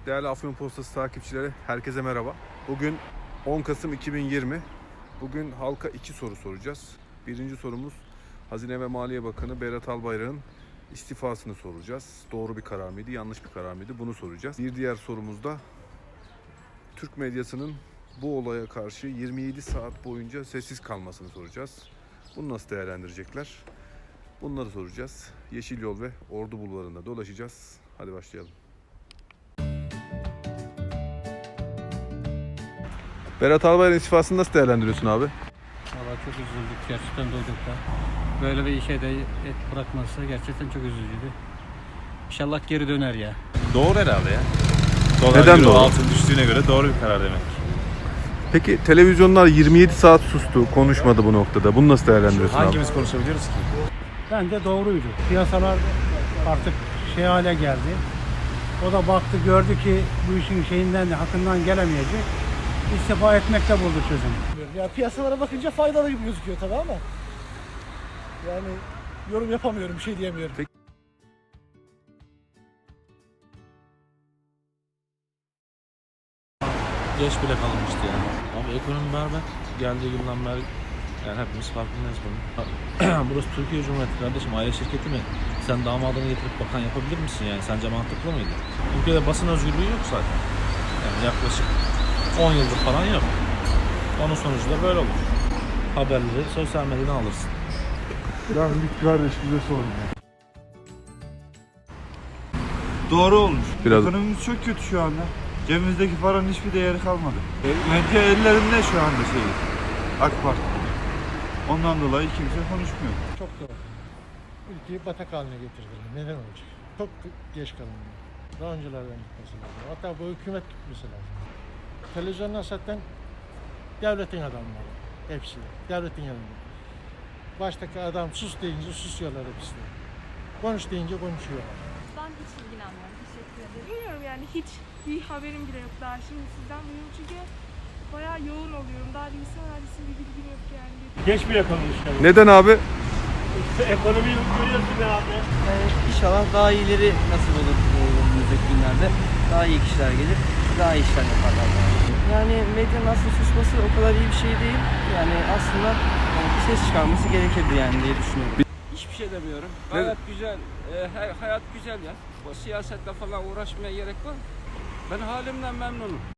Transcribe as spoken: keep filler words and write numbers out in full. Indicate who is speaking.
Speaker 1: Değerli Afyon Postası takipçileri, herkese merhaba. Bugün on Kasım iki bin yirmi. Bugün halka iki soru soracağız. Birinci sorumuz, Hazine ve Maliye Bakanı Berat Albayrak'ın istifasını soracağız. Doğru bir karar mıydı, yanlış bir karar mıydı? Bunu soracağız. Bir diğer sorumuz da Türk medyasının bu olaya karşı yirmi yedi saat boyunca sessiz kalmasını soracağız. Bunu nasıl değerlendirecekler? Bunları soracağız. Yeşil Yol ve Ordu Bulvarı'nda dolaşacağız. Hadi başlayalım. Berat Albayrak'ın istifasını nasıl değerlendiriyorsun abi?
Speaker 2: Valla çok üzüldük gerçekten duyduk da. Böyle bir işe de et bırakması gerçekten çok üzücüydü. İnşallah geri döner ya.
Speaker 3: Doğru herhalde ya. Dolar
Speaker 1: Neden
Speaker 3: euro
Speaker 1: doğru?
Speaker 3: altın düştüğüne göre doğru bir karar demek.
Speaker 1: Peki televizyonlar yirmi yedi saat sustu, konuşmadı bu noktada. Bunu nasıl değerlendiriyorsun abi?
Speaker 3: Hangimiz konuşabiliyoruz ki?
Speaker 4: Bence doğruydu. Piyasalar artık şey hale geldi. O da baktı, gördü ki bu işin şeyinden de hakkından gelemeyecek. İstifa etmekte buldu çözüm.
Speaker 5: Ya piyasalara bakınca faydalı gibi gözüküyor tabii ama yani yorum yapamıyorum, bir şey diyemiyorum.
Speaker 1: Peki.
Speaker 3: Geç bile kalınmıştı yani. Ama ekonomi berbat. Geldiği günden beri yani hepimiz farkındayız bunun. Burası Türkiye Cumhuriyeti kardeşim, aile şirketi mi? Sen damadını getirip bakan yapabilir misin yani? Sence mantıklı mıydı? Ülkede basın özgürlüğü yok zaten. Yani yaklaşık on yıldır falan yok. Onun sonucu da böyle olur. Haberleri sosyal medyadan alırsın.
Speaker 6: Yani bir kardeş bize sorun.
Speaker 7: Doğru olmuş.
Speaker 1: Biraz-
Speaker 7: Ekonomimiz çok kötü şu anda. Cebimizdeki paranın hiçbir değeri kalmadı. Medya ellerinde şu anda şey. AK Parti. Ondan dolayı kimse konuşmuyor.
Speaker 5: Çok doğru. Ülkeyi batak haline getirdiler. Neden olacak? Çok geç kalındı. Daha öncelerden gitmesi lazım. Hatta bu hükümet gitmesi lazım. Televizyonlar zaten devletin adamları. Hepsi. Devletin yanında. Baştaki adam sus deyince susuyorlar hepsi. Konuş deyince konuşuyorlar.
Speaker 8: Ben hiç ilgilenmiyorum. Teşekkür ederim. Bilmiyorum yani hiç bir haberim bile yok daha. Şimdi sizden duyuyorum çünkü bayağı yoğun oluyorum. Daha bilgisayar mühendisliği bir bilgim yok yani.
Speaker 4: Geç bile kalmış yani.
Speaker 1: Neden abi?
Speaker 4: Ekonomiyi görüyorsun ya abi.
Speaker 9: Yani inşallah daha iyileri nasip olur e, önümüzdeki günlerde. Daha iyi kişiler gelir, daha iyi işler yaparlar. Yani medyanın aslında susması o kadar iyi bir şey değil. Yani aslında e, bir ses çıkarması gerekirdi yani diye düşünüyorum.
Speaker 2: Hiçbir şey demiyorum. Hayat güzel. E, her, hayat güzel ya. O siyasetle falan uğraşmaya gerek var. Ben halimden memnunum.